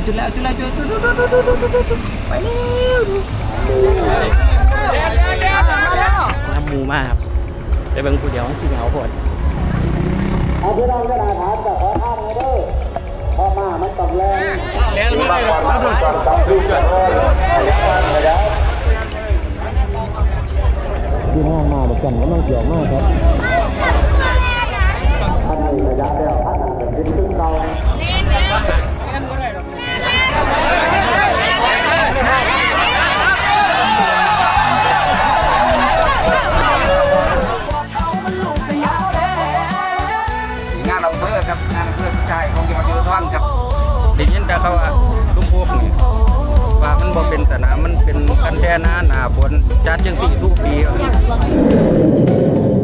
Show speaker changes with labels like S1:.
S1: จุดแล้วไปเร็วน้ำมูมากครับไปเบิ่งผู้เดียวสิเหงาโคตร
S2: เอาพี่น้องกระดาษถามแต่ขอท่านเด้อพอมามันตกแรงบางวันมันตกตับดูกันเลยที่ห้างมาเหมือนกันก็ต้องเกี่ยวมากครับท่านมีระยะเดียวท่านเป็นขึ้นเรางานอำเภอครับงานอำเภอชายของจังหวัดยโสธรครับได้ยินแต่เขาว่าลุงพวกนี่ว่ามันบ่เป็นสนามมันเป็นกันแท่หน้าฝนจัดจังสี่ทุกปี